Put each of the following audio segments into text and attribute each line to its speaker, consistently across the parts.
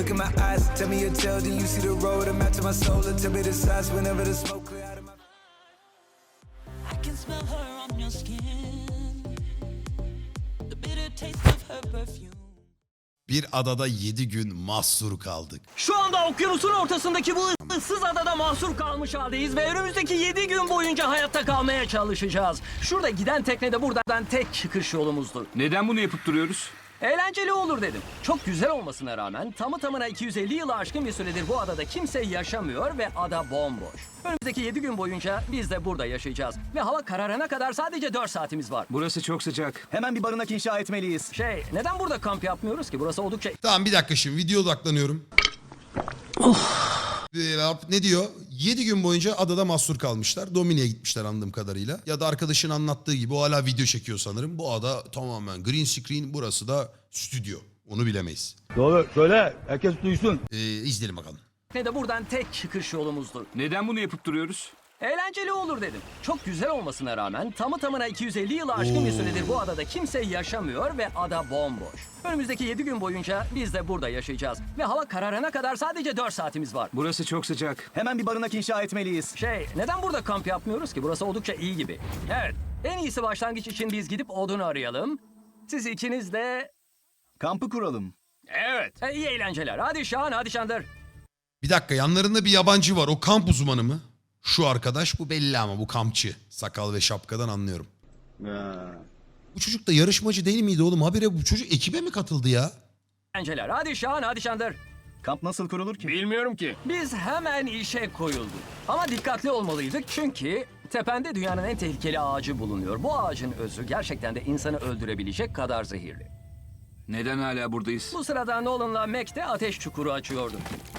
Speaker 1: look in my eyes, tell me your tale, then you see the road, I'm out to my soul, and tell me the size whenever the smoke clear out of my...
Speaker 2: I can smell her on your skin, the bitter taste of her perfume.
Speaker 3: Bir adada 7 gün mahsur kaldık.
Speaker 4: Şu anda okyanusun ortasındaki bu ıssız adada mahsur kalmış haldeyiz ve önümüzdeki 7 gün boyunca hayatta kalmaya çalışacağız. Şurada giden tekne de buradan tek çıkış yolumuzdur.
Speaker 5: Neden bunu yapıp duruyoruz?
Speaker 4: Eğlenceli olur dedim. Çok güzel olmasına rağmen tamı tamına 250 yılı aşkın bir süredir bu adada kimse yaşamıyor ve ada bomboş. Önümüzdeki 7 gün boyunca biz de burada yaşayacağız. Ve hava kararana kadar sadece 4 saatimiz var.
Speaker 5: Burası çok sıcak.
Speaker 6: Hemen bir barınak inşa etmeliyiz.
Speaker 4: Neden burada kamp yapmıyoruz ki? Burası oldukça...
Speaker 3: Tamam bir dakika şimdi video odaklanıyorum. Ne diyor? 7 gün boyunca adada mahsur kalmışlar. Domine'ye gitmişler anladığım kadarıyla. Ya da arkadaşın anlattığı gibi o hala video çekiyor sanırım. Bu ada tamamen green screen, burası da stüdyo. Onu bilemeyiz.
Speaker 7: Doğru söyle, herkes duysun.
Speaker 3: İzleyelim bakalım.
Speaker 4: Ne de buradan tek çıkış yolumuzdur.
Speaker 5: Neden bunu yapıp duruyoruz?
Speaker 4: Eğlenceli olur dedim. Çok güzel olmasına rağmen tamı tamına 250 yılı aşkın bir süredir bu adada kimse yaşamıyor ve ada bomboş. Önümüzdeki 7 gün boyunca biz de burada yaşayacağız. Ve hava kararana kadar sadece 4 saatimiz var.
Speaker 5: Burası çok sıcak.
Speaker 6: Hemen bir barınak inşa etmeliyiz.
Speaker 4: Neden burada kamp yapmıyoruz ki? Burası oldukça iyi gibi. Evet, en iyisi başlangıç için biz gidip odun arayalım. Siz ikiniz de...
Speaker 6: Kampı kuralım.
Speaker 4: Evet. İyi eğlenceler. Hadi Şahan, hadi Şandır.
Speaker 3: Bir dakika, yanlarında bir yabancı var. O kamp uzmanı mı? Şu arkadaş bu belli ama bu kampçı. Sakal ve şapkadan anlıyorum. Bu çocuk da yarışmacı değil miydi oğlum? Habire bu çocuk ekibe mi katıldı ya?
Speaker 4: Eğlenceler. Hadi Şahan, hadi Şandır.
Speaker 6: Kamp nasıl kurulur ki?
Speaker 5: Bilmiyorum ki.
Speaker 4: Biz hemen işe koyulduk. Ama dikkatli olmalıydık çünkü tepende dünyanın en tehlikeli ağacı bulunuyor. Bu ağacın özü gerçekten de insanı öldürebilecek kadar zehirli.
Speaker 5: Neden hala buradayız?
Speaker 4: Bu sırada Nolan'la Mac de ateş çukuru açıyordu.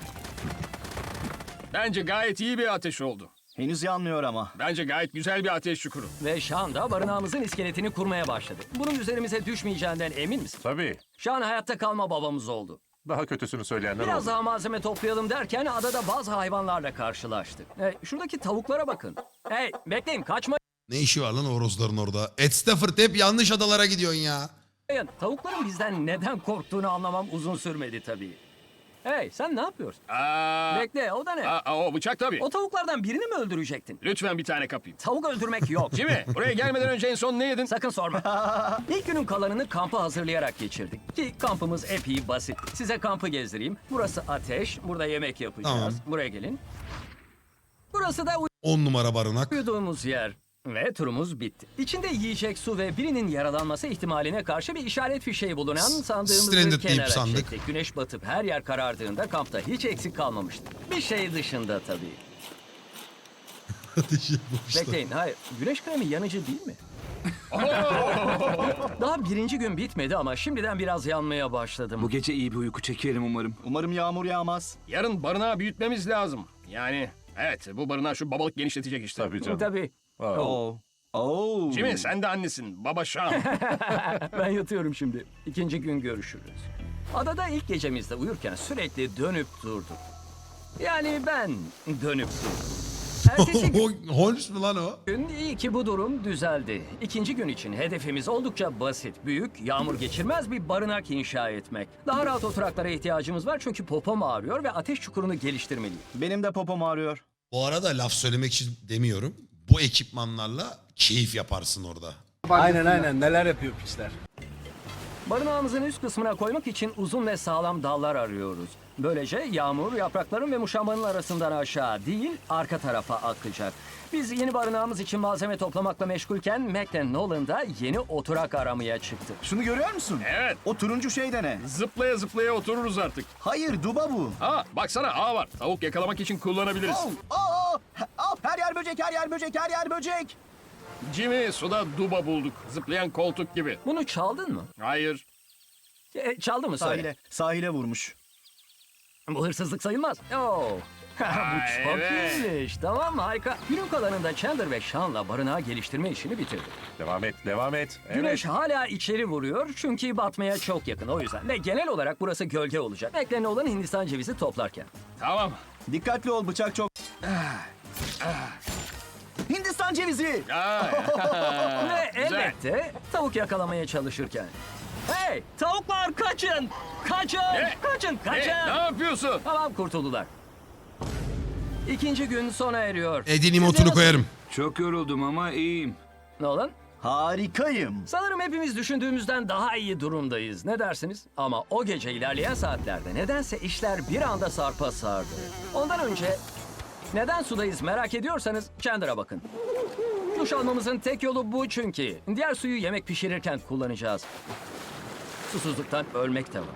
Speaker 8: Bence gayet iyi bir ateş oldu.
Speaker 6: Henüz yanmıyor ama.
Speaker 8: Bence gayet güzel bir ateş çukuru.
Speaker 4: Ve Şan da barınağımızın iskeletini kurmaya başladı. Bunun üzerimize düşmeyeceğinden emin misin?
Speaker 9: Tabii.
Speaker 4: Şan hayatta kalma babamız oldu.
Speaker 9: Daha kötüsünü söyleyenler
Speaker 4: Biraz
Speaker 9: oldu.
Speaker 4: daha malzeme toplayalım derken adada bazı hayvanlarla karşılaştık. Şuradaki tavuklara bakın. Hey, bekleyin, kaçmayın.
Speaker 3: Ne işi var lan horozların orada? Ed Stafford, hep yanlış adalara gidiyorsun ya.
Speaker 4: Tavukların bizden neden korktuğunu anlamam uzun sürmedi tabii. Hey, sen ne yapıyorsun? Bekle, o da ne?
Speaker 8: O bıçak tabii.
Speaker 4: O tavuklardan birini mi öldürecektin?
Speaker 8: Lütfen bir tane kapayım.
Speaker 4: Tavuk öldürmek yok.
Speaker 8: Jimmy, buraya gelmeden önce en son ne yedin?
Speaker 4: Sakın sorma. İlk günün kalanını kampı hazırlayarak geçirdik. Ki kampımız epey basit. Size kampı gezdireyim. Burası ateş, burada yemek yapacağız.
Speaker 3: Tamam.
Speaker 4: Buraya gelin. Burası da
Speaker 3: 10 numara barınak.
Speaker 4: uyuduğumuz yer. Ve turumuz bitti. İçinde yiyecek, su ve birinin yaralanması ihtimaline karşı bir işaret fişeği bulunan sandığımızı
Speaker 3: Stranded deyip
Speaker 4: kenara
Speaker 3: sandık.
Speaker 4: çektik. Güneş batıp her yer karardığında kampta hiç eksik kalmamıştı. Bir şey dışında tabii. Bekleyin, hayır. Güneş kremi yanıcı değil mi? Daha birinci gün bitmedi ama şimdiden biraz yanmaya başladım.
Speaker 5: Bu gece iyi bir uyku çekerim umarım.
Speaker 6: Umarım yağmur yağmaz.
Speaker 8: Yarın barınağı büyütmemiz lazım. Yani evet, bu barınağı şu babalık genişletecek işte.
Speaker 9: Tabii canım.
Speaker 4: Tabii.
Speaker 6: Oo.
Speaker 8: Jimmy, sen de annesin. Baba Şam.
Speaker 4: Ben yatıyorum şimdi. İkinci gün görüşürüz. Adada ilk gecemizde uyurken sürekli dönüp durduk. Yani ben dönüp durdum. Ertesi
Speaker 3: Holmes mu lan o?
Speaker 4: gün iyi ki bu durum düzeldi. İkinci gün için hedefimiz oldukça basit. Büyük, yağmur geçirmez bir barınak inşa etmek. Daha rahat oturaklara ihtiyacımız var çünkü popom ağrıyor ve ateş çukurunu geliştirmeliyim.
Speaker 6: Benim de popom ağrıyor.
Speaker 3: Bu arada laf söylemek için demiyorum. Bu ekipmanlarla keyif yaparsın orada.
Speaker 7: Aynen neler yapıyor piçler.
Speaker 4: Barınağımızın üst kısmına koymak için uzun ve sağlam dallar arıyoruz. Böylece yağmur yaprakların ve muşambanın arasından aşağı değil, arka tarafa akacak. Biz yeni barınağımız için malzeme toplamakla meşgulken Mac ve Nolan da yeni oturak aramaya çıktı.
Speaker 6: Şunu görüyor musun?
Speaker 8: Evet.
Speaker 6: O turuncu şey de ne?
Speaker 8: Zıplaya zıplaya otururuz artık.
Speaker 6: Hayır, duba bu.
Speaker 8: Baksana, ağ var. Tavuk yakalamak için kullanabiliriz.
Speaker 6: Her yer böcek, her yer böcek, her yer böcek.
Speaker 8: Jimmy, suda duba bulduk. Zıplayan koltuk gibi.
Speaker 4: Bunu çaldın mı?
Speaker 8: Hayır.
Speaker 4: Çaldı mı söyle?
Speaker 6: Sahile vurmuş.
Speaker 4: Bu hırsızlık sayılmaz. Oo. Bu çok
Speaker 8: evet.
Speaker 4: iyiymiş. Tamam, harika. Günün kalanında Chandler ve Sean'la barınağı geliştirme işini bitirdik.
Speaker 9: Devam et.
Speaker 4: Güneş hala içeri vuruyor çünkü batmaya çok yakın o yüzden. Ve genel olarak burası gölge olacak. Beklenen olan Hindistan cevizi toplarken.
Speaker 8: Tamam.
Speaker 6: Dikkatli ol, bıçak çok... Hindistan cevizi.
Speaker 4: Ve
Speaker 8: Güzel.
Speaker 4: elbette tavuk yakalamaya çalışırken. Hey tavuklar kaçın. Kaçın. Kaçın.
Speaker 8: Ne yapıyorsun?
Speaker 4: Tamam kurtuldular. İkinci gün sona eriyor.
Speaker 3: Edin
Speaker 4: Siz
Speaker 3: emotunu
Speaker 4: nasıl-
Speaker 3: koyarım.
Speaker 5: Çok yoruldum ama iyiyim.
Speaker 4: Nolan?
Speaker 6: Harikayım.
Speaker 4: Sanırım hepimiz düşündüğümüzden daha iyi durumdayız. Ne dersiniz? Ama o gece ilerleyen saatlerde nedense işler bir anda sarpa sardı. Ondan önce neden sudayız merak ediyorsanız Chandler'a bakın. Duş almamızın tek yolu bu çünkü. Diğer suyu yemek pişirirken kullanacağız. Susuzluktan ölmek de var.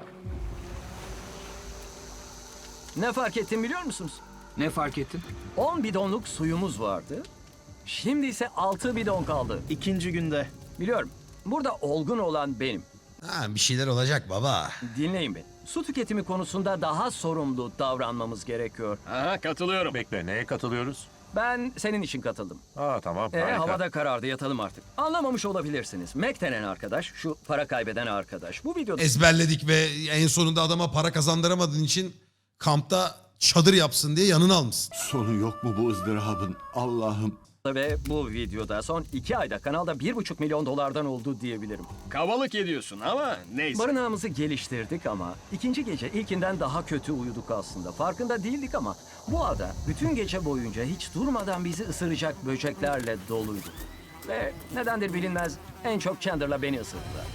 Speaker 4: Ne fark ettim biliyor musunuz?
Speaker 5: Ne fark ettin?
Speaker 4: 10 bidonluk suyumuz vardı. Şimdi ise 6 bidon kaldı.
Speaker 6: İkinci günde.
Speaker 4: Biliyorum. Burada olgun olan benim.
Speaker 3: Ha, bir şeyler olacak baba.
Speaker 4: Dinleyin beni. Su tüketimi konusunda daha sorumlu davranmamız gerekiyor.
Speaker 8: Aha katılıyorum.
Speaker 9: Bekle, neye katılıyoruz?
Speaker 4: Ben senin için katıldım.
Speaker 9: Tamam, harika.
Speaker 4: Havada karardı, yatalım artık. Anlamamış olabilirsiniz. Mac denen arkadaş, şu para kaybeden arkadaş. Bu videoda
Speaker 3: Ezberledik ve en sonunda adama para kazandıramadığın için kampta çadır yapsın diye yanına almışsın.
Speaker 10: Sonu yok mu bu ızdırabın? Allah'ım.
Speaker 4: ve bu videoda son 2 ayda kanalda 1,5 milyon dolardan oldu diyebilirim.
Speaker 8: Kabalık ediyorsun ama neyse.
Speaker 4: Barınağımızı geliştirdik ama ikinci gece ilkinden daha kötü uyuduk aslında. Farkında değildik ama bu ada bütün gece boyunca hiç durmadan bizi ısıracak böceklerle doluydu. Ve nedendir bilinmez en çok Chandler'la beni ısırdılar.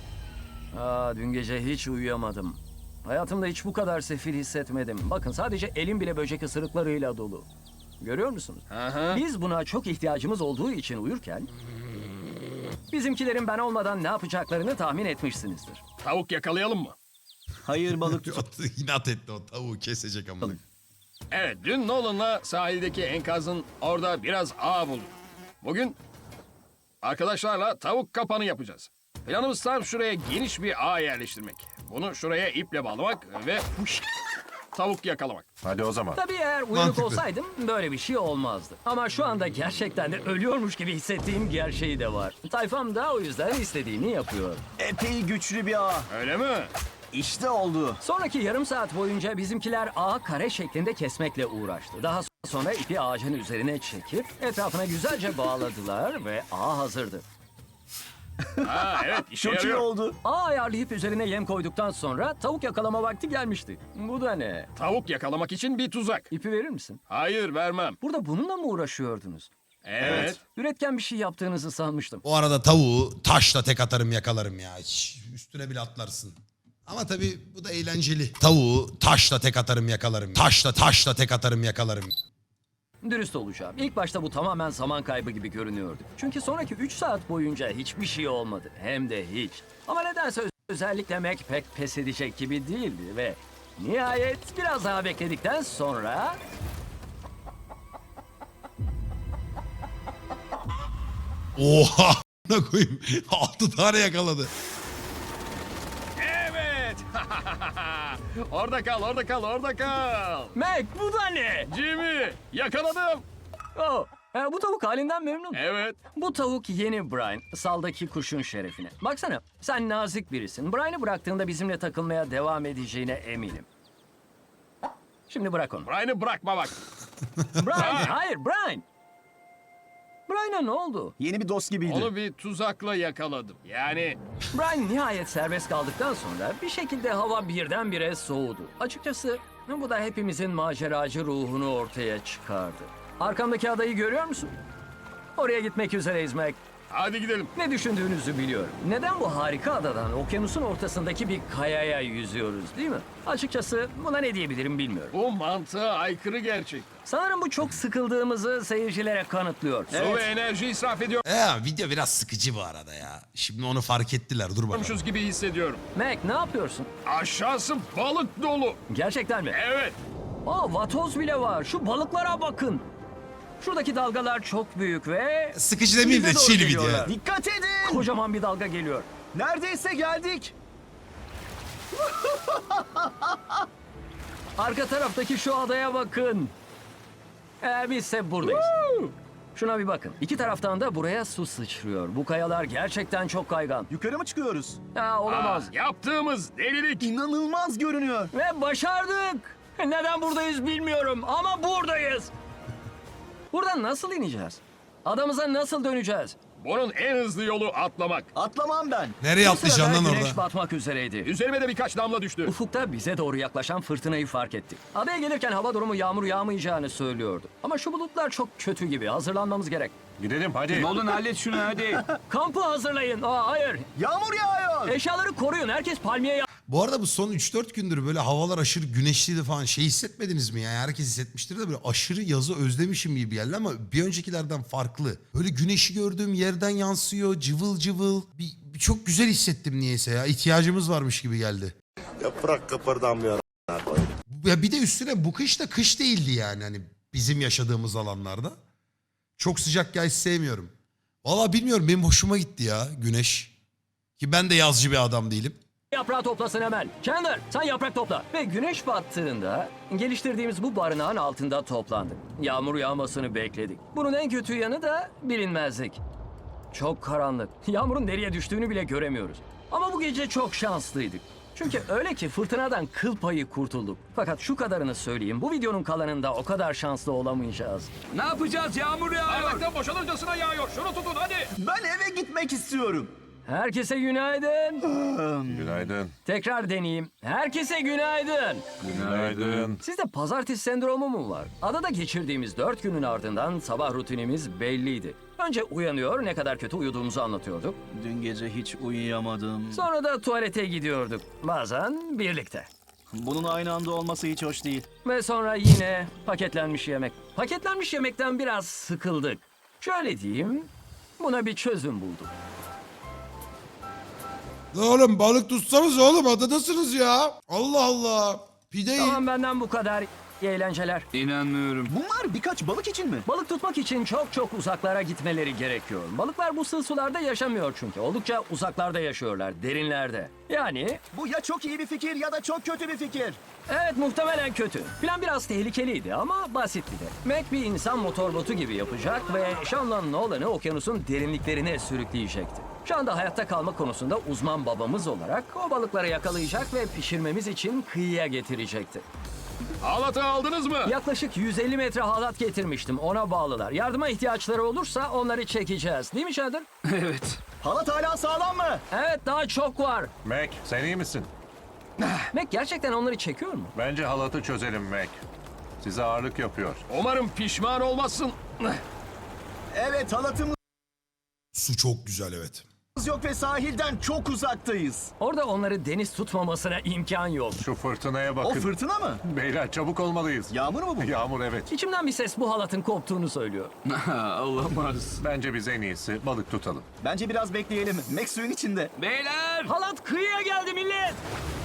Speaker 4: Dün gece hiç uyuyamadım. Hayatımda hiç bu kadar sefil hissetmedim. Bakın sadece elim bile böcek ısırıklarıyla dolu. Görüyor musunuz?
Speaker 8: Aha.
Speaker 4: Biz buna çok ihtiyacımız olduğu için uyurken bizimkilerin ben olmadan ne yapacaklarını tahmin etmişsinizdir.
Speaker 8: Tavuk yakalayalım mı?
Speaker 6: Hayır balık
Speaker 3: İnat etti o tavuğu kesecek ama.
Speaker 8: Evet, dün Nolan'la sahildeki enkazın orada biraz ağ bulduk. Bugün arkadaşlarla tavuk kapanı yapacağız. Planımız tam şuraya geniş bir ağ yerleştirmek. Bunu şuraya iple bağlamak ve tavuk yakalamak.
Speaker 9: Hadi o zaman.
Speaker 4: Tabii eğer uyanık
Speaker 3: Mantıklı.
Speaker 4: olsaydım böyle bir şey olmazdı. Ama şu anda gerçekten de ölüyormuş gibi hissettiğim gerçeği de var. Tayfam da o yüzden istediğini yapıyor.
Speaker 6: epey güçlü bir ağ.
Speaker 8: Öyle mi?
Speaker 6: İşte oldu.
Speaker 4: Sonraki yarım saat boyunca bizimkiler ağı kare şeklinde kesmekle uğraştı. Daha sonra ipi ağacın üzerine çekip etrafına güzelce bağladılar ve ağ hazırdı.
Speaker 8: Evet, işe
Speaker 6: Çok iyi
Speaker 8: yarıyor.
Speaker 6: oldu.
Speaker 4: Ağ ayarlayıp üzerine yem koyduktan sonra tavuk yakalama vakti gelmişti. Bu da ne?
Speaker 8: Tavuk yakalamak için bir tuzak.
Speaker 4: İpi verir misin?
Speaker 8: Hayır, vermem.
Speaker 4: Burada bununla mı uğraşıyordunuz?
Speaker 8: Evet.
Speaker 4: Üretken bir şey yaptığınızı sanmıştım.
Speaker 3: O arada tavuğu taşla tek atarım yakalarım ya. Hiç üstüne bile atlarsın. Ama tabii bu da eğlenceli. Tavuğu taşla tek atarım yakalarım. Taşla tek atarım yakalarım.
Speaker 4: Dürüst olacağım. İlk başta bu tamamen zaman kaybı gibi görünüyordu. Çünkü sonraki 3 saat boyunca hiçbir şey olmadı. Hem de hiç. Ama nedense özellikle Mac pek pes edecek gibi değildi ve nihayet biraz daha bekledikten sonra...
Speaker 3: Oha! Ne koyayım? 6 tane yakaladı.
Speaker 8: Evet. Orada kal, orada kal, orada kal.
Speaker 4: Mac bu da ne?
Speaker 8: Jimmy, yakaladım.
Speaker 4: Oh, bu tavuk halinden memnun.
Speaker 8: Evet.
Speaker 4: Bu tavuk yeni Brian, saldaki kuşun şerefine. Baksana, sen nazik birisin. Brian'ı bıraktığında bizimle takılmaya devam edeceğine eminim. Şimdi bırak onu.
Speaker 8: Brian'ı bırakma bak.
Speaker 4: Brian, hayır Brian. Brian'a ne oldu?
Speaker 6: Yeni bir dost gibiydi.
Speaker 8: Onu bir tuzakla yakaladım. Yani
Speaker 4: Brian nihayet serbest kaldıktan sonra bir şekilde hava birdenbire soğudu. Açıkçası bu da hepimizin maceracı ruhunu ortaya çıkardı. Arkamdaki adayı görüyor musun? Oraya gitmek üzereyiz Mac.
Speaker 8: hadi gidelim.
Speaker 4: Ne düşündüğünüzü biliyorum. Neden bu harika adadan okyanusun ortasındaki bir kayaya yüzüyoruz değil mi? Açıkçası buna ne diyebilirim bilmiyorum.
Speaker 8: Bu mantığa aykırı gerçekten.
Speaker 4: Sanırım bu çok sıkıldığımızı seyircilere kanıtlıyor.
Speaker 8: Su ve enerji israf
Speaker 3: Video biraz sıkıcı bu arada ya. Şimdi onu fark ettiler. Dur bakalım.
Speaker 8: ediyormuşuz gibi hissediyorum.
Speaker 4: Mac ne yapıyorsun?
Speaker 8: Aşağısı balık dolu.
Speaker 4: Gerçekten mi?
Speaker 8: Evet.
Speaker 4: Vatoz bile var. Şu balıklara bakın. Şuradaki dalgalar çok büyük ve...
Speaker 3: Sıkıcı demeyeyim de
Speaker 4: Bize doğru
Speaker 3: chill video.
Speaker 4: geliyorlar.
Speaker 6: Dikkat edin.
Speaker 4: Kocaman bir dalga geliyor.
Speaker 6: Neredeyse geldik.
Speaker 4: Arka taraftaki şu adaya bakın. Bizse buradayız. Şuna bir bakın. İki taraftan da buraya su sıçrıyor. Bu kayalar gerçekten çok kaygan.
Speaker 6: Yukarı mı çıkıyoruz?
Speaker 4: Olamaz.
Speaker 8: Yaptığımız delilik.
Speaker 6: İnanılmaz görünüyor.
Speaker 4: Ve başardık. Neden buradayız bilmiyorum ama buradayız. Buradan nasıl ineceğiz? Adamıza nasıl döneceğiz?
Speaker 8: Bunun en hızlı yolu atlamak.
Speaker 6: Atlamam ben.
Speaker 3: Nereye
Speaker 4: Bu sırada
Speaker 3: atlayacaksın lan
Speaker 4: güneş
Speaker 3: orada?
Speaker 4: batmak üzereydi.
Speaker 8: Üzerime de birkaç damla düştü.
Speaker 4: Ufukta bize doğru yaklaşan fırtınayı fark ettik. Adaya gelirken hava durumu yağmur yağmayacağını söylüyordu. Ama şu bulutlar çok kötü gibi. Hazırlanmamız gerek.
Speaker 9: Gidelim hadi.
Speaker 5: Nolan hallet şunu hadi.
Speaker 4: Kampı hazırlayın. Hayır.
Speaker 6: Yağmur yağıyor.
Speaker 4: Eşyaları koruyun. Herkes palmiye
Speaker 3: Bu arada bu son 3-4 gündür böyle havalar aşırı güneşliydi falan. Şey hissetmediniz mi ya? Herkes hissetmiştir de böyle aşırı yazı özlemişim gibi geldi ama bir öncekilerden farklı. Böyle güneşi gördüğüm yerden yansıyor, cıvıl cıvıl. Bir çok güzel hissettim niyeyse ya. İhtiyacımız varmış gibi geldi.
Speaker 10: Yaprak kıpırdamıyor.
Speaker 3: Ya bir de üstüne bu kış da kış değildi yani hani bizim yaşadığımız alanlarda. Çok sıcak ya hiç sevmiyorum. Valla bilmiyorum benim hoşuma gitti ya güneş. Ki ben de yazcı bir adam değilim.
Speaker 4: yaprağı toplasın hemen. Chandler sen yaprak topla. Ve güneş battığında geliştirdiğimiz bu barınağın altında toplandık. Yağmur yağmasını bekledik. Bunun en kötü yanı da bilinmezlik. Çok karanlık. Yağmurun nereye düştüğünü bile göremiyoruz. Ama bu gece çok şanslıydık. Çünkü öyle ki fırtınadan kıl payı kurtulduk. Fakat şu kadarını söyleyeyim. Bu videonun kalanında o kadar şanslı olamayacağız.
Speaker 5: Ne yapacağız? Yağmur yağıyor.
Speaker 8: Bardaktan boşalırcasına yağıyor. Şunu tutun hadi.
Speaker 6: Ben eve gitmek istiyorum.
Speaker 4: Herkese günaydın.
Speaker 9: Günaydın.
Speaker 4: Tekrar deneyeyim. Herkese günaydın.
Speaker 9: Günaydın.
Speaker 4: Sizde pazartesi sendromu mu var? Adada geçirdiğimiz 4 günün ardından sabah rutinimiz belliydi. Önce uyanıyor, ne kadar kötü uyuduğumuzu anlatıyorduk.
Speaker 6: Dün gece hiç uyuyamadım.
Speaker 4: Sonra da tuvalete gidiyorduk. Bazen birlikte.
Speaker 6: Bunun aynı anda olması hiç hoş değil.
Speaker 4: Ve sonra yine paketlenmiş yemek. Paketlenmiş yemekten biraz sıkıldık. Şöyle diyeyim, buna bir çözüm bulduk.
Speaker 3: Oğlum balık tutsanız oğlum adadasınız ya. Allah Allah. Pide
Speaker 4: Tamam benden bu kadar. İyi eğlenceler.
Speaker 5: İnanmıyorum.
Speaker 6: Bunlar birkaç balık için mi?
Speaker 4: Balık tutmak için çok uzaklara gitmeleri gerekiyor. Balıklar bu sığ sularda yaşamıyor çünkü. Oldukça uzaklarda yaşıyorlar, derinlerde. Yani
Speaker 6: Bu ya çok iyi bir fikir ya da çok kötü bir fikir.
Speaker 4: evet muhtemelen kötü. Plan biraz tehlikeliydi ama basitti de. Mac bir insan motor botu gibi yapacak ve Sean'la Nolan'ı okyanusun derinliklerine sürükleyecekti. Şu anda hayatta kalma konusunda uzman babamız olarak o balıkları yakalayacak ve pişirmemiz için kıyıya getirecekti.
Speaker 8: Halatı aldınız mı?
Speaker 4: Yaklaşık 150 metre halat getirmiştim. Ona bağlılar. Yardıma ihtiyaçları olursa onları çekeceğiz. Değil mi Chandler?
Speaker 5: Evet.
Speaker 6: Halat hala sağlam mı?
Speaker 4: Evet daha çok var.
Speaker 9: Mac sen iyi misin?
Speaker 4: Mac gerçekten onları çekiyor mu?
Speaker 9: Bence halatı çözelim Mac. Size ağırlık yapıyor.
Speaker 8: Umarım pişman olmazsın.
Speaker 6: Evet, halatımız
Speaker 3: Su çok güzel evet.
Speaker 6: yok ve sahilden çok uzaktayız.
Speaker 4: Orada onları deniz tutmamasına imkan yok.
Speaker 9: Şu fırtınaya
Speaker 6: O
Speaker 9: bakın.
Speaker 6: fırtına mı?
Speaker 9: Beyler çabuk olmalıyız.
Speaker 6: Yağmur mu bu?
Speaker 9: Yağmur evet.
Speaker 4: İçimden bir ses bu halatın koptuğunu söylüyor.
Speaker 5: Olamaz.
Speaker 9: Bence biz en iyisi balık tutalım.
Speaker 6: Bence biraz bekleyelim. Max suyun içinde.
Speaker 5: Beyler.
Speaker 4: Halat kıyıya geldi millet.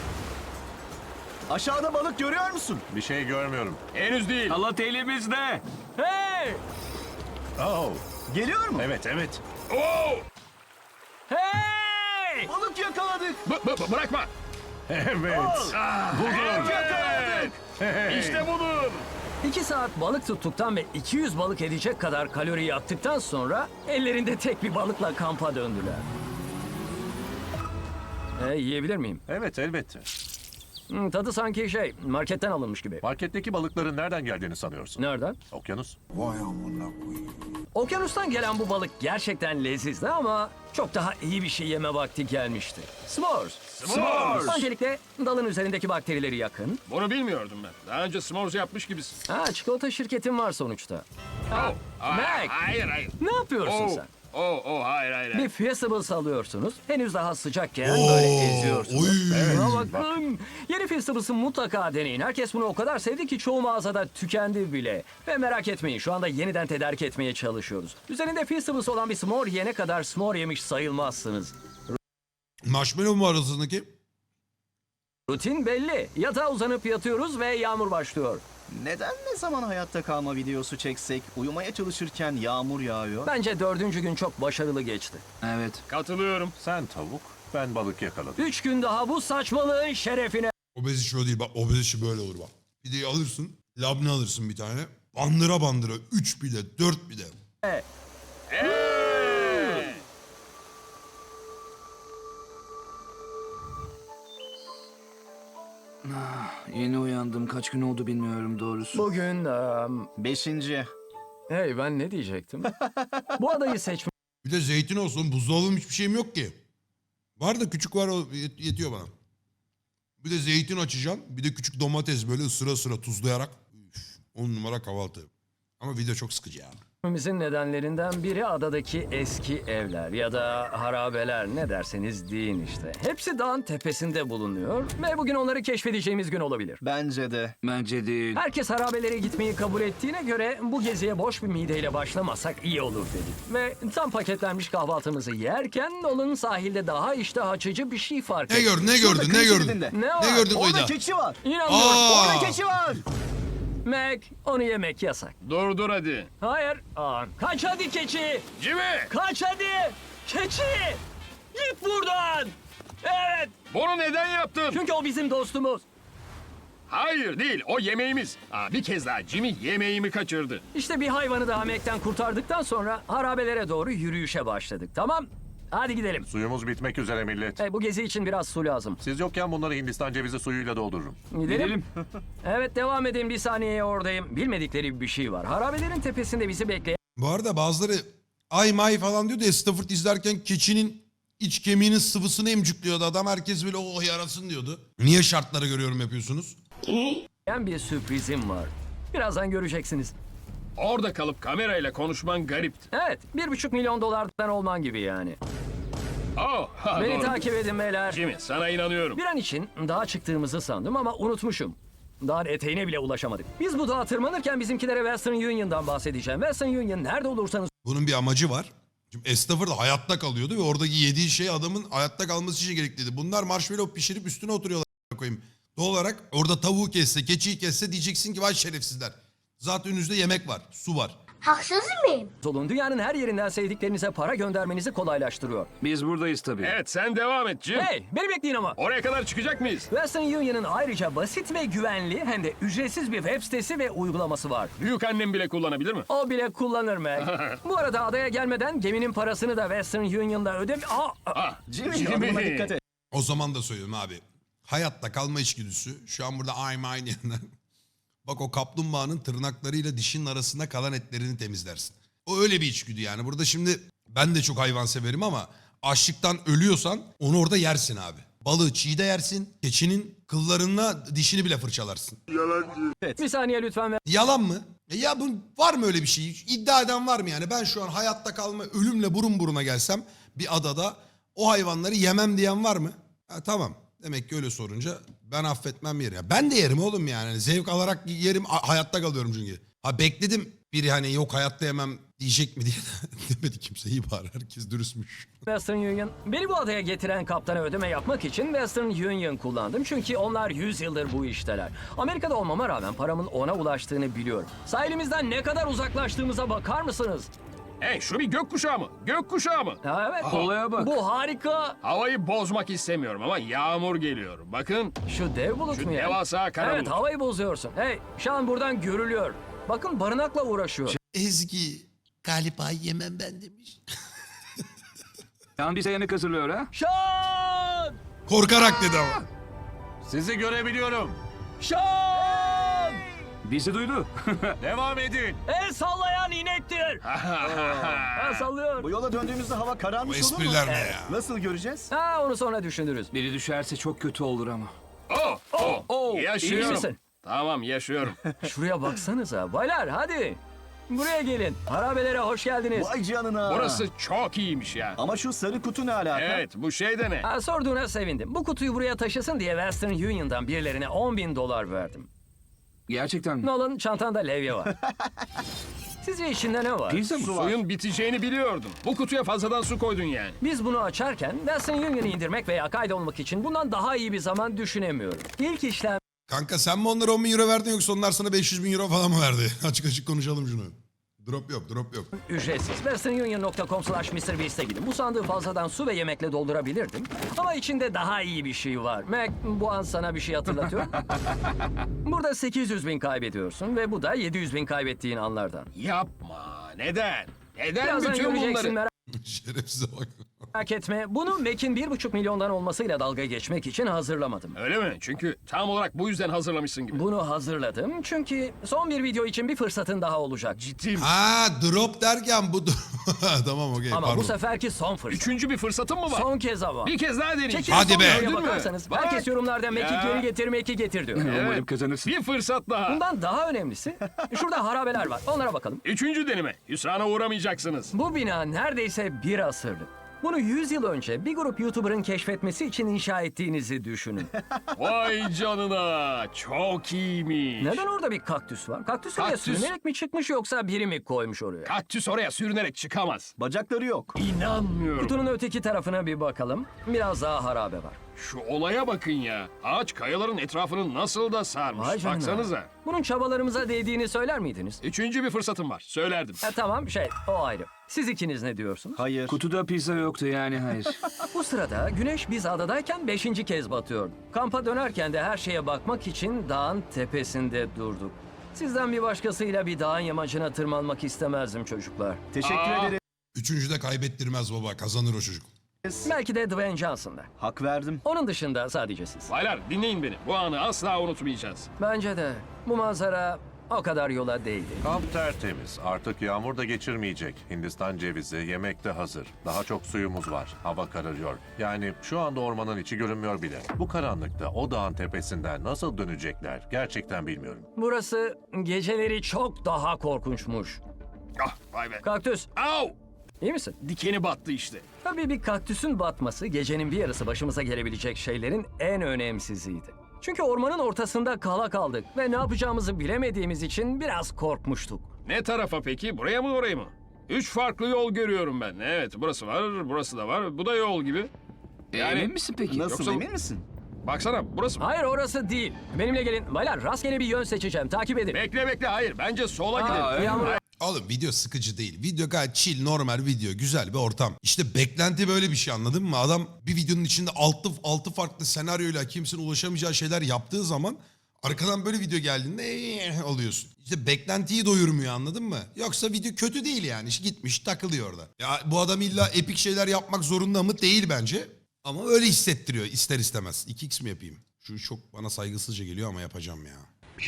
Speaker 6: Aşağıda balık görüyor musun?
Speaker 9: Bir şey görmüyorum.
Speaker 8: Henüz değil.
Speaker 5: Halat elimizde.
Speaker 4: Hey!
Speaker 9: Oh,
Speaker 6: Geliyor mu?
Speaker 9: evet evet.
Speaker 8: Oo!
Speaker 4: Hey!
Speaker 6: Balık yakaladık.
Speaker 8: Bırakma.
Speaker 9: Evet.
Speaker 6: Balık yakaladık.
Speaker 8: İşte budur.
Speaker 4: 2 saat balık tuttuktan ve 200 balık edecek kadar kalori yaktıktan sonra ellerinde tek bir balıkla kampa döndüler. Yiyebilir miyim?
Speaker 9: Evet elbette.
Speaker 4: Tadı sanki marketten alınmış gibi.
Speaker 9: Marketteki balıkların nereden geldiğini sanıyorsun?
Speaker 4: Nereden?
Speaker 9: Okyanus.
Speaker 4: Okyanustan gelen bu balık gerçekten lezizdi ama çok daha iyi bir şey yeme vakti gelmişti. S'mores.
Speaker 8: S'mores.
Speaker 4: Öncelikle dalın üzerindeki bakterileri yakın.
Speaker 8: Bunu bilmiyordum ben. Daha önce s'mores yapmış gibisin.
Speaker 4: Çikolata şirketin var sonuçta.
Speaker 8: Oh.
Speaker 4: Mac,
Speaker 8: Hayır.
Speaker 4: ne yapıyorsun
Speaker 8: Oh.
Speaker 4: sen?
Speaker 8: Hayır.
Speaker 4: Bir Fiestables alıyorsunuz. Henüz daha sıcakken böyle eziyorsunuz. Buna bakın. Yeni Fiestables'ı mutlaka deneyin. Herkes bunu o kadar sevdi ki çoğu mağazada tükendi bile. Ve merak etmeyin şu anda yeniden tedarik etmeye çalışıyoruz. Üzerinde Fiestables olan bir s'more yene kadar s'more yemiş sayılmazsınız.
Speaker 3: Marshmallow mu arasındaki?
Speaker 4: Rutin belli. Yatağa uzanıp yatıyoruz ve yağmur başlıyor.
Speaker 6: Neden ne zaman hayatta kalma videosu çeksek, uyumaya çalışırken yağmur yağıyor?
Speaker 4: Bence 4. gün çok başarılı geçti.
Speaker 5: Evet.
Speaker 8: Katılıyorum.
Speaker 9: Sen tavuk, ben balık yakaladım.
Speaker 4: 3 gün daha bu saçmalığın şerefine.
Speaker 3: Obez işi o değil bak obez işi böyle olur bak. Pideyi alırsın labne alırsın bir tane. Bandıra bandıra 3 pide 4 pide.
Speaker 5: Yeni uyandım. Kaç gün oldu bilmiyorum doğrusu.
Speaker 4: Bugün...
Speaker 6: 5.
Speaker 4: hey ben ne diyecektim? Bu adayı seçmek
Speaker 3: Bir de zeytin olsun. Buzdolabım hiçbir şeyim yok ki. Var da küçük var, o yetiyor bana. Bir de zeytin açacağım. Bir de küçük domates böyle sıra sıra tuzlayarak. Üf, 10 numara kahvaltı. Ama video çok sıkıcı ya.
Speaker 4: Gitmemizin nedenlerinden biri adadaki eski evler ya da harabeler, ne derseniz deyin işte. Hepsi dağın tepesinde bulunuyor ve bugün onları keşfedeceğimiz gün olabilir.
Speaker 6: Bence de.
Speaker 5: Bence değil.
Speaker 4: Herkes harabelere gitmeyi kabul ettiğine göre bu geziye boş bir mideyle başlamasak iyi olur dedik. Ve tam paketlenmiş kahvaltımızı yerken Nolan sahilde daha iştah açıcı bir şey fark
Speaker 3: Ne
Speaker 4: etti.
Speaker 3: gördün, ne
Speaker 6: Şurada
Speaker 3: gördün, ne
Speaker 6: kıyı
Speaker 3: gördün?
Speaker 6: şeridinde.
Speaker 4: Ne var?
Speaker 3: Ne gördün
Speaker 6: Orada
Speaker 3: Oyda?
Speaker 6: keçi var.
Speaker 4: İnanmıyorum.
Speaker 3: Aa!
Speaker 6: Orada keçi var.
Speaker 4: Mac, onu yemek yasak.
Speaker 8: Dur hadi.
Speaker 4: Hayır. Kaç hadi keçi.
Speaker 8: Jimmy!
Speaker 4: Kaç hadi. Keçi. Git buradan. Evet.
Speaker 8: Bunu neden yaptın?
Speaker 4: Çünkü o bizim dostumuz.
Speaker 8: Hayır değil, o yemeğimiz. Bir kez daha Jimmy yemeğimi kaçırdı.
Speaker 4: İşte bir hayvanı daha Mac'ten kurtardıktan sonra harabelere doğru yürüyüşe başladık. Tamam. Hadi gidelim.
Speaker 9: Suyumuz bitmek üzere millet.
Speaker 4: Bu gezi için biraz su lazım.
Speaker 9: Siz yokken bunları Hindistan cevizi suyuyla doldururum.
Speaker 4: Gidelim. Evet, devam edin, bir saniyeye oradayım. Bilmedikleri bir şey var. Harabelerin tepesinde bizi bekleyen
Speaker 3: Bu arada bazıları ay may falan diyor da Stafford izlerken keçinin iç kemiğinin sıvısını emcikliyordu adam. Herkes böyle oh yarasın diyordu. Niye şartları görüyorum yapıyorsunuz?
Speaker 4: bir sürprizim var. Birazdan göreceksiniz.
Speaker 8: Orada kalıp kamerayla konuşman garipti.
Speaker 4: Evet, 1,5 milyon dolardan olman gibi yani. Beni
Speaker 8: Doğru.
Speaker 4: takip edin beyler.
Speaker 8: Jimmy, sana inanıyorum.
Speaker 4: Bir an için dağa çıktığımızı sandım ama unutmuşum. Dağın eteğine bile ulaşamadık. Biz bu dağa tırmanırken bizimkilere Western Union'dan bahsedeceğim. Western Union nerede olursanız
Speaker 3: Bunun bir amacı var. Şimdi Stafford hayatta kalıyordu ve oradaki yediği şey adamın hayatta kalması için gerekliydi. Bunlar marshmallow pişirip üstüne oturuyorlar koyayım. Doğal olarak orada tavuğu kesse, keçiyi kesse diyeceksin ki vay şerefsizler. Zaten önünüzde yemek var, su var.
Speaker 11: Haksız mıyım?
Speaker 4: olun. Dünyanın her yerinden sevdiklerinize para göndermenizi kolaylaştırıyor.
Speaker 5: Biz buradayız tabii.
Speaker 8: Evet, sen devam et Jim.
Speaker 4: Hey, beni bekleyin ama.
Speaker 8: Oraya kadar çıkacak mıyız?
Speaker 4: Western Union'ın ayrıca basit ve güvenli hem de ücretsiz bir web sitesi ve uygulaması var.
Speaker 8: Büyük annem bile kullanabilir mi?
Speaker 4: O bile kullanır Mac. Bu arada adaya gelmeden geminin parasını da Western Union'da
Speaker 6: Jimmy, adımına dikkat et.
Speaker 3: O zaman da söylüyorum abi. Hayatta kalma içgüdüsü. Şu an burada I'm aynı yandan. Bak o kaplumbağanın tırnaklarıyla dişinin arasında kalan etlerini temizlersin. O öyle bir içgüdü yani. Burada şimdi ben de çok hayvan severim ama açlıktan ölüyorsan onu orada yersin abi. Balığı çiğ de yersin. Keçinin kıllarınla dişini bile fırçalarsın.
Speaker 4: bir saniye lütfen.
Speaker 3: Yalan mı? Ya bu var mı öyle bir şey? İddia eden var mı yani? Ben şu an hayatta kalma ölümle burun buruna gelsem bir adada o hayvanları yemem diyen var mı? Ha, tamam. Demek ki öyle sorunca ben affetmem yerim. Ya ben de yerim oğlum yani. Zevk alarak yerim. Hayatta kalıyorum çünkü. Ha bekledim biri hani yok hayatta yemem diyecek mi diye demedi kimse. İyi bari herkes dürüstmüş.
Speaker 4: Western Union. Beni bu adaya getiren kaptana ödeme yapmak için Western Union kullandım. Çünkü onlar 100 yıldır bu işteler. Amerika'da olmama rağmen paramın ona ulaştığını biliyorum. Sahilimizden ne kadar uzaklaştığımıza bakar mısınız?
Speaker 8: Hey, şu bir gökkuşağı mı? Gökkuşağı mı?
Speaker 4: Ha, evet.
Speaker 5: Olaya bak.
Speaker 4: Bu harika.
Speaker 8: Havayı bozmak istemiyorum ama yağmur geliyor. Bakın,
Speaker 4: Şu dev bulut
Speaker 8: şu
Speaker 4: mu ya?
Speaker 8: devasa kara
Speaker 4: Evet,
Speaker 8: bulut.
Speaker 4: havayı bozuyorsun. Hey, şu an buradan görülüyor. Bakın barınakla uğraşıyor.
Speaker 3: Ezgi galiba yemem ben demiş.
Speaker 5: Yan bize yemek hazırlıyor ha.
Speaker 4: Şan!
Speaker 3: Korkarak dedi ama.
Speaker 9: Sizi görebiliyorum.
Speaker 4: Şan!
Speaker 5: Bizi duydu.
Speaker 9: Devam edin.
Speaker 4: El sallayan inektir. Ha, sallıyor.
Speaker 6: Bu yola döndüğümüzde hava
Speaker 3: Bu
Speaker 6: kararmış olur mu?
Speaker 3: espriler ne ya?
Speaker 6: Nasıl göreceğiz?
Speaker 4: Ha, onu sonra düşünürüz.
Speaker 5: Biri düşerse çok kötü olur ama.
Speaker 4: İyi
Speaker 8: Yaşıyorum.
Speaker 4: misin?
Speaker 8: Tamam, yaşıyorum.
Speaker 4: Şuraya baksanıza. Baylar hadi. Buraya gelin. Harabelere hoş geldiniz.
Speaker 6: Vay canına.
Speaker 8: Burası çok iyiymiş ya.
Speaker 6: Ama şu sarı kutu ne alaka?
Speaker 8: Evet, bu şey de ne?
Speaker 4: Ha, sorduğuna sevindim. Bu kutuyu buraya taşısın diye Western Union'dan birilerine $10,000 verdim.
Speaker 5: Gerçekten mi?
Speaker 4: Nolan, çantanda levye var. Sizce içinde ne var?
Speaker 5: Pizza mı?
Speaker 8: Suyun biteceğini biliyordum. Bu kutuya fazladan su koydun yani.
Speaker 4: Biz bunu açarken Western Union'ı indirmek veya kaydolmak için bundan daha iyi bir zaman düşünemiyorum. İlk işlem
Speaker 3: Kanka sen mi onlara 10 bin euro verdin yoksa onlar sana 500 bin euro falan mı verdi? Açık açık konuşalım şunu. Drop yok, drop yok.
Speaker 4: ücretsiz. westernunion.com/MrBeast'e gidin. Bu sandığı fazladan su ve yemekle doldurabilirdim. Ama içinde daha iyi bir şey var. Mac, bu an sana bir şey hatırlatıyor. Burada 800 bin kaybediyorsun ve bu da 700 bin kaybettiğin anlardan.
Speaker 8: Yapma. Neden? Neden
Speaker 4: Birazdan
Speaker 8: bütün
Speaker 4: göreceksin,
Speaker 8: bunları?
Speaker 4: merak
Speaker 3: Şerefsize bak.
Speaker 4: Merak etme, bunu Mac'in 1,5 milyondan olmasıyla dalga geçmek için hazırlamadım.
Speaker 8: Öyle mi? Çünkü tam olarak bu yüzden hazırlamışsın gibi.
Speaker 4: Bunu hazırladım çünkü son bir video için bir fırsatın daha olacak.
Speaker 8: Ciddi mi?
Speaker 3: Ha drop derken bu... Tamam okey
Speaker 4: Ama
Speaker 3: pardon.
Speaker 4: bu seferki son fırsat.
Speaker 8: Üçüncü bir fırsatın mı var?
Speaker 4: Son kez ama.
Speaker 8: Bir kez daha deneyeyim.
Speaker 4: Çekin
Speaker 3: Hadi
Speaker 4: son
Speaker 3: be.
Speaker 4: videoya
Speaker 8: Gördün mü?
Speaker 4: bakarsanız
Speaker 8: Bak.
Speaker 4: herkes yorumlarda Mac'i
Speaker 8: Ya.
Speaker 4: geri getir, Mac'i getir diyor.
Speaker 8: Evet.
Speaker 5: kazanırsın.
Speaker 8: Bir fırsat daha.
Speaker 4: Bundan daha önemlisi şurada harabeler var. Onlara bakalım.
Speaker 8: Üçüncü deneme. Hüsrana uğramayacaksınız.
Speaker 4: Bu bina neredeyse bir asırlık. Bunu 100 yıl önce bir grup YouTuber'ın keşfetmesi için inşa ettiğinizi düşünün.
Speaker 8: Vay canına. Çok iyiymiş.
Speaker 4: Neden orada bir kaktüs var? Kaktüs oraya
Speaker 8: Kaktüs.
Speaker 4: sürünerek mi çıkmış yoksa biri mi koymuş oraya?
Speaker 8: Kaktüs oraya sürünerek çıkamaz.
Speaker 6: Bacakları yok.
Speaker 8: İnanmıyorum.
Speaker 4: Kutunun öteki tarafına bir bakalım. Biraz daha harabe var.
Speaker 8: Şu olaya bakın ya. Ağaç kayaların etrafını nasıl da sarmış.
Speaker 4: Vay canına.
Speaker 8: Baksanıza.
Speaker 4: Bunun çabalarımıza değdiğini söyler miydiniz?
Speaker 8: Üçüncü bir fırsatım var. Söylerdim.
Speaker 4: Tamam o ayrı. Siz ikiniz ne diyorsunuz?
Speaker 6: Hayır.
Speaker 5: Kutuda pizza yoktu yani hayır.
Speaker 4: Bu sırada güneş biz adadayken 5. kez batıyordu. Kampa dönerken de her şeye bakmak için dağın tepesinde durduk. Sizden bir başkasıyla bir dağın yamacına tırmanmak istemezdim çocuklar.
Speaker 6: Teşekkür ederiz.
Speaker 3: Üçüncüde kaybettirmez baba, kazanır o çocuk.
Speaker 4: Belki de Dwayne Johnson'da.
Speaker 6: Hak verdim.
Speaker 4: Onun dışında sadece siz.
Speaker 8: Baylar dinleyin beni. Bu anı asla unutmayacağız.
Speaker 4: Bence de bu manzara o kadar yola değdi.
Speaker 9: Kamp tertemiz. Artık yağmur da geçirmeyecek. Hindistan cevizi, yemek de hazır. Daha çok suyumuz var. Hava kararıyor. Yani şu anda ormanın içi görünmüyor bile. Bu karanlıkta o dağın tepesinden nasıl dönecekler gerçekten bilmiyorum.
Speaker 4: Burası geceleri çok daha korkunçmuş.
Speaker 8: Ah vay be.
Speaker 4: Kaktüs,
Speaker 8: Au!
Speaker 4: iyi misin?
Speaker 8: Dikeni battı işte.
Speaker 4: Tabii bir kaktüsün batması gecenin bir yarısı başımıza gelebilecek şeylerin en önemsiziydi. Çünkü ormanın ortasında kala kaldık ve ne yapacağımızı bilemediğimiz için biraz korkmuştuk.
Speaker 8: Ne tarafa peki? Buraya mı oraya mı? Üç farklı yol görüyorum ben. Evet burası var, burası da var. Bu da yol gibi. Yani-
Speaker 5: Emin misin peki?
Speaker 6: Nasıl
Speaker 8: Yoksa-
Speaker 6: emin misin?
Speaker 8: Baksana burası mı?
Speaker 4: Hayır orası değil. Benimle gelin. Baylar rastgele bir yön seçeceğim. Takip edin.
Speaker 8: Bekle hayır. Bence sola gidelim.
Speaker 5: öyle
Speaker 4: Yağmur
Speaker 3: Oğlum video sıkıcı değil. Video gayet chill, normal video. Güzel bir ortam. İşte beklenti böyle bir şey, anladın mı? Adam bir videonun içinde altı farklı senaryoyla kimsenin ulaşamayacağı şeyler yaptığı zaman arkadan böyle video geldiğinde oluyorsun. İşte beklentiyi doyurmuyor, anladın mı? Yoksa video kötü değil yani. İşte gitmiş takılıyor orada. Ya bu adam illa epik şeyler yapmak zorunda mı? Değil bence. Ama öyle hissettiriyor ister istemez. 2x mi yapayım? Şu çok bana saygısızca geliyor ama yapacağım ya.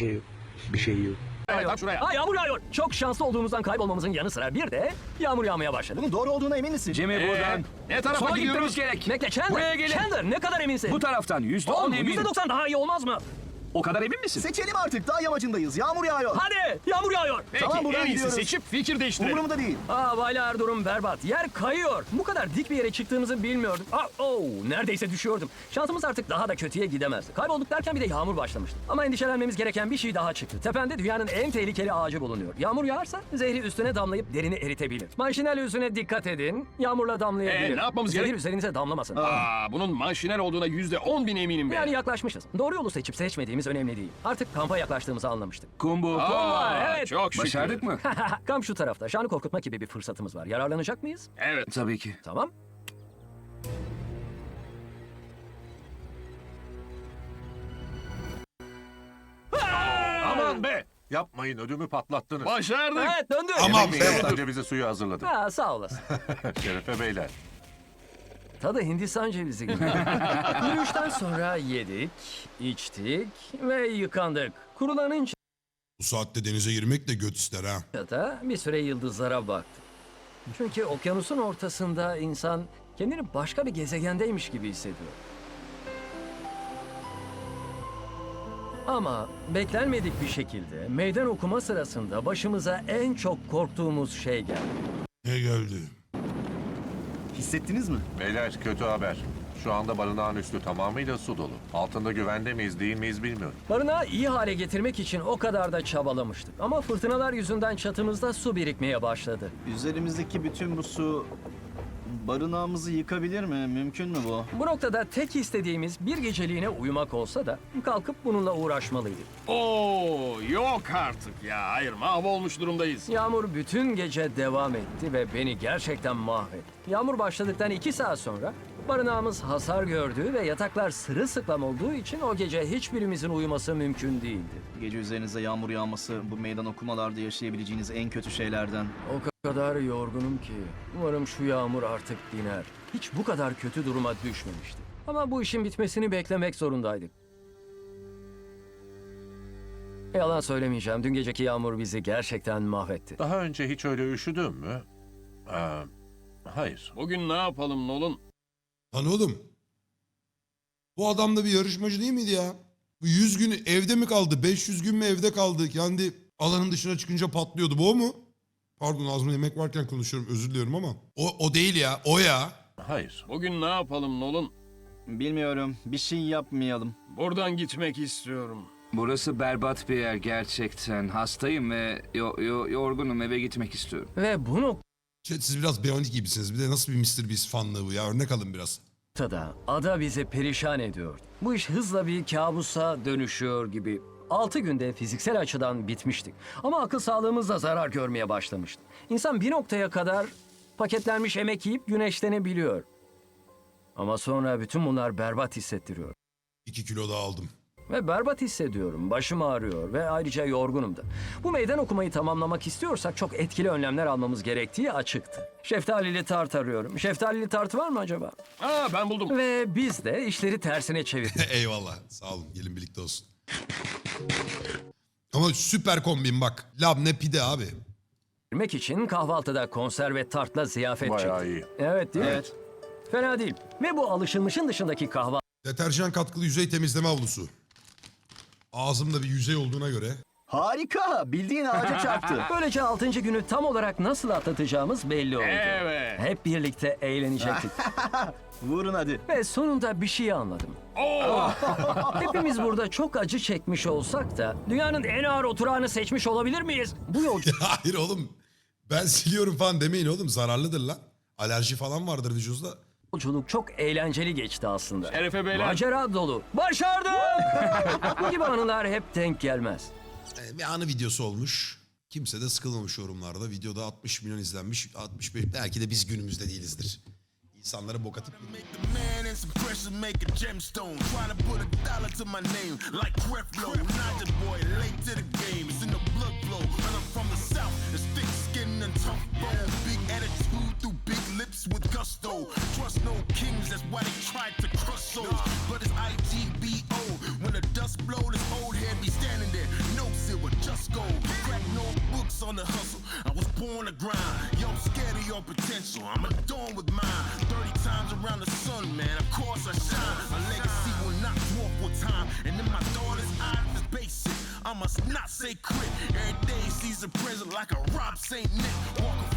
Speaker 8: Evet, tam şuraya.
Speaker 4: Yağmur yağıyor. Çok şanslı olduğumuzdan kaybolmamızın yanı sıra bir de yağmur yağmaya başladı.
Speaker 6: Bunun doğru olduğuna emin misin?
Speaker 5: Cemil buradan.
Speaker 8: Ne tarafa
Speaker 5: Sola
Speaker 8: gidiyoruz?
Speaker 5: gitmemiz gerek.
Speaker 4: Bekle Chandler.
Speaker 5: Buraya gelin.
Speaker 4: Chandler ne kadar eminsin?
Speaker 5: Bu taraftan %10
Speaker 4: Oğlum,
Speaker 5: eminim.
Speaker 4: %90 daha iyi olmaz mı?
Speaker 5: O kadar emin misin?
Speaker 6: Seçelim artık. Dağ yamacındayız. Yağmur yağıyor.
Speaker 4: Hadi yağmur yağıyor.
Speaker 8: Peki
Speaker 6: Tamam, buradan
Speaker 8: en iyisi
Speaker 6: gidiyoruz.
Speaker 8: seçip fikir değiştirelim.
Speaker 6: Umurumda değil.
Speaker 4: Baylar durum berbat. Yer kayıyor. Bu kadar dik bir yere çıktığımızı bilmiyordum. Neredeyse düşüyordum. Şansımız artık daha da kötüye gidemezdi. Kaybolduk derken bir de yağmur başlamıştı. Ama endişelenmemiz gereken bir şey daha çıktı. Tepende dünyanın en tehlikeli ağacı bulunuyor. Yağmur yağarsa zehri üstüne damlayıp derini eritebilir. Manşinel yüzüne dikkat edin. Yağmurla damlayabilir.
Speaker 8: Ne yapmamız
Speaker 4: Zehir
Speaker 8: gerek?
Speaker 4: üzerinize damlamasın.
Speaker 8: Bunun manşinel olduğuna %10.000 eminim ben.
Speaker 4: Yani yaklaşmışız. Doğru yolu seçip seçmediğimiz önemli değil. Artık kampa yaklaştığımızı anlamıştık.
Speaker 5: Kumbu.
Speaker 4: evet.
Speaker 8: Çok şükür.
Speaker 5: Başardık mı?
Speaker 4: Kamp şu tarafta. Şanı korkutma gibi bir fırsatımız var. Yararlanacak mıyız?
Speaker 8: Evet.
Speaker 5: Tabii ki.
Speaker 4: Tamam.
Speaker 8: Aman be.
Speaker 9: Yapmayın, ödümü patlattınız.
Speaker 8: Başardık.
Speaker 4: Evet döndü.
Speaker 3: Aman
Speaker 9: Yemek
Speaker 3: be.
Speaker 9: yapmadan cevizi suyu hazırladım.
Speaker 4: Sağ olasın.
Speaker 9: Şerefe beyler.
Speaker 4: Tadı Hindistan cevizi gibi. Yürüyüşten sonra yedik, içtik ve yıkandık. Kurulanınca
Speaker 3: Bu saatte denize girmek de göt ister ha.
Speaker 4: da bir süre yıldızlara baktık. Çünkü okyanusun ortasında insan kendini başka bir gezegendeymiş gibi hissediyor. Ama beklenmedik bir şekilde meydan okuma sırasında başımıza en çok korktuğumuz şey geldi.
Speaker 3: Ne geldi?
Speaker 6: Hissettiniz mi?
Speaker 9: Beyler kötü haber. Şu anda barınağın üstü tamamıyla su dolu. Altında güvende miyiz değil miyiz bilmiyorum.
Speaker 4: Barınağı iyi hale getirmek için o kadar da çabalamıştık. Ama fırtınalar yüzünden çatımızda su birikmeye başladı.
Speaker 6: Üzerimizdeki bütün bu su barınağımızı yıkabilir mi? Mümkün mü bu?
Speaker 4: Bu noktada tek istediğimiz bir geceliğine uyumak olsa da kalkıp bununla uğraşmalıydık.
Speaker 8: Yok artık ya. Hayır mahvolmuş durumdayız.
Speaker 4: Yağmur bütün gece devam etti ve beni gerçekten mahvetti. Yağmur başladıktan 2 saat sonra barınağımız hasar gördü ve yataklar sırılsıklam olduğu için o gece hiçbirimizin uyuması mümkün değildi.
Speaker 6: Gece üzerinize yağmur yağması bu meydan okumalarda yaşayabileceğiniz en kötü şeylerden.
Speaker 4: O O kadar yorgunum ki. Umarım şu yağmur artık diner. Hiç bu kadar kötü duruma düşmemiştim. Ama bu işin bitmesini beklemek zorundaydık. Yalan söylemeyeceğim. Dün geceki yağmur bizi gerçekten mahvetti.
Speaker 9: Daha önce hiç öyle üşüdün mü? Hayır.
Speaker 8: Bugün ne yapalım Nolan?
Speaker 3: Lan oğlum. Bu adam da bir yarışmacı değil miydi ya? Bu 100 gün evde mi kaldı? 500 gün mü evde kaldı? Kendi alanın dışına çıkınca patlıyordu. Bu o mu? Pardon, ağzımda yemek varken konuşuyorum, özür diliyorum ama. O değil ya. O ya.
Speaker 9: Hayır.
Speaker 8: Bugün ne yapalım Nolan?
Speaker 6: Bilmiyorum. Bir şey yapmayalım.
Speaker 8: Buradan gitmek istiyorum.
Speaker 5: Burası berbat bir yer gerçekten. Hastayım ve yorgunum, eve gitmek istiyorum.
Speaker 4: Ve bu
Speaker 3: Siz biraz Beyond gibisiniz. Bir de nasıl bir Mr. Beast fanlığı bu ya? Örnek alın biraz.
Speaker 4: noktada ada bizi perişan ediyor. Bu iş hızla bir kabusa dönüşüyor gibi. 6 günde fiziksel açıdan bitmiştik. Ama akıl sağlığımız da zarar görmeye başlamıştı. İnsan bir noktaya kadar paketlenmiş yemek yiyip güneşlenebiliyor. Ama sonra bütün bunlar berbat hissettiriyor.
Speaker 3: 2 kilo daha aldım.
Speaker 4: Ve berbat hissediyorum. Başım ağrıyor ve ayrıca yorgunum da. Bu meydan okumayı tamamlamak istiyorsak çok etkili önlemler almamız gerektiği açıktı. Şeftalili tart arıyorum. Şeftalili tart var mı acaba?
Speaker 8: Ben buldum.
Speaker 4: Ve biz de işleri tersine çevirdik.
Speaker 3: Eyvallah. Sağ olun. Gelin birlikte olsun. Ama süper kombin bak. Labne pide abi.
Speaker 4: Yemek için kahvaltıda konserve tartla ziyafet
Speaker 9: Bayağı
Speaker 4: çektik.
Speaker 9: iyi.
Speaker 4: Evet değil mi?
Speaker 6: Evet.
Speaker 4: Fena değil. Ve bu alışılmışın dışındaki kahvaltı
Speaker 3: Deterjan katkılı yüzey temizleme havlusu. Ağzımda bir yüzey olduğuna göre.
Speaker 6: Harika. Bildiğin ağaca çarptı.
Speaker 4: böylece 6. günü tam olarak nasıl atlatacağımız belli oldu.
Speaker 8: Evet.
Speaker 4: Hep birlikte eğlenecektik.
Speaker 6: Vurun hadi.
Speaker 4: Ve sonunda bir şey anladım. Hepimiz burada çok acı çekmiş olsak da dünyanın en ağır oturağını seçmiş olabilir miyiz? Bu
Speaker 3: Hayır oğlum. Ben siliyorum falan demeyin oğlum. Zararlıdır lan. Alerji falan vardır vücudunda.
Speaker 4: yolculuk çok eğlenceli geçti aslında.
Speaker 8: Şerefe beyler.
Speaker 4: Macera dolu. Başardım! Bu gibi anılar hep denk gelmez.
Speaker 3: Bir anı videosu olmuş. Kimse de sıkılmamış yorumlarda. Videoda 60 milyon izlenmiş. 65 belki de biz günümüzde değilizdir. İnsanlara bok atıp
Speaker 10: Man and some pressure make a gemstone. Trying to put a dollar to my name like Creflo. Not the boy, late to the game. It's in the blood flow. And I'm from the south. It's thick skin and tough bone. Big attitude through big lips with gusto. Trust no kings, that's why they tried to crush souls. But it's IGBO. When the dust blow, this old head be standing there. No silver, just gold. Crack no books on the hustle. I was born to grind. Yo, I'm scared of your potential. I'm adorned with mine. 30 times around the sun, man, of course I shine. My legacy will not dwarf with time. And in my daughter's eyes, it's basic. I must not say quit. Every day sees a present like a Rob St. Nick. Walk a